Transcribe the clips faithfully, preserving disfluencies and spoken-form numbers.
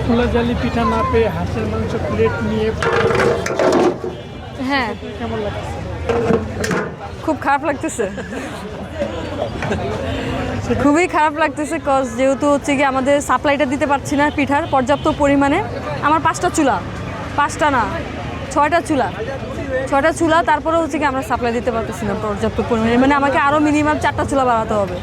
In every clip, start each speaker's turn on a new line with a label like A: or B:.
A: খোলা জালি পিঠা না পেয়ে হাঁসের মাংস প্লেট নিয়ে
B: হ্যাঁ
A: কেমন লাগছে?
B: খুব খারাপ লাগতেছে, খুবই খারাপ লাগতেছে। কজ যেহেতু হচ্ছে কি আমাদের সাপ্লাইটা দিতে পারছি না পিঠার পর্যাপ্ত পরিমাণে। আমার পাঁচটা চুলা, পাঁচটা না ছয়টা চুলা, ছয়টা চুলা তারপরে হচ্ছে কি আমরা সাপ্লাই দিতে পারতেছি না পর্যাপ্ত পরিমাণে, মানে আমাকে আরও মিনিমাম চারটা চুলা বাড়াতে হবে।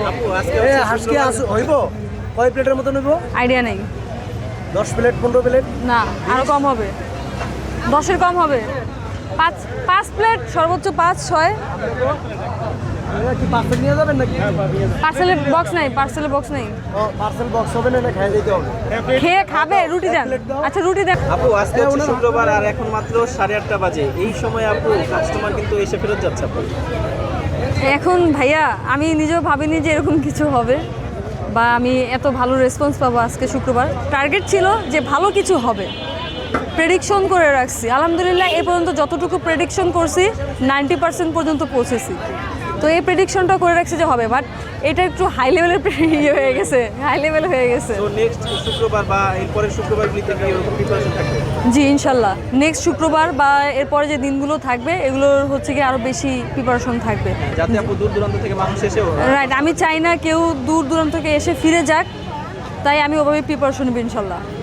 C: হইব কয় প্লেটের মতো নেব?
B: আইডিয়া নেই।
C: দশ প্লেট পনেরো প্লেট?
B: না আরও কম হবে, দশের কম হবে। পাঁচ পাঁচ প্লেট সর্বোচ্চ পাঁচ ছয়।
C: কি পার্সেল নিয়ে যাবেন নাকি?
B: পার্সেলের বক্স নাই, পার্সেলের বক্স নেই।
C: পার্সেল বক্স হবে না, খেয়ে দিতে হবে।
B: খেয়ে খাবে, রুটি দেন। আচ্ছা রুটি দেন।
D: আপু আজকে হচ্ছে শুক্রবার আর এখন মাত্র সাড়ে আটটা বাজে, এই সময় আপু কাস্টমার কিন্তু এসে ফেরত যাচ্ছে আপু।
B: এখন ভাইয়া আমি নিজেও ভাবিনি যে এরকম কিছু হবে বা আমি এত ভালো রেসপন্স পাবো আজকে শুক্রবার। টার্গেট ছিল যে ভালো কিছু হবে, প্রেডিকশন করে রাখছি। আলহামদুলিল্লাহ এ পর্যন্ত যতটুকু প্রেডিকশন করছি নাইনটি পার্সেন্ট পর্যন্ত পৌঁছেছি। তো এই প্রেডিকশনটা করে রাখছি যে হবে, বাট এটা একটু হাই লেভেলের ইয়ে হয়ে গেছে, হাই লেভেল হয়ে গেছে।
D: তো নেক্সট শুক্রবার বা এরপরের শুক্রবারগুলিতে কি এরকম প্রিপারেশন থাকবে?
B: জি ইনশাল্লাহ নেক্সট শুক্রবার বা এরপরে যে দিনগুলো থাকবে এগুলোর হচ্ছে কি আরও বেশি প্রিপারেশন থাকবে,
D: যাতে আপু দূর দূরান্ত থেকে মানুষ এসেও
B: রাইট। আমি চাই না কেউ দূর দূরান্ত থেকে এসে ফিরে যাক, তাই আমি ওভাবে প্রিপারেশন নেব ইনশাল্লাহ।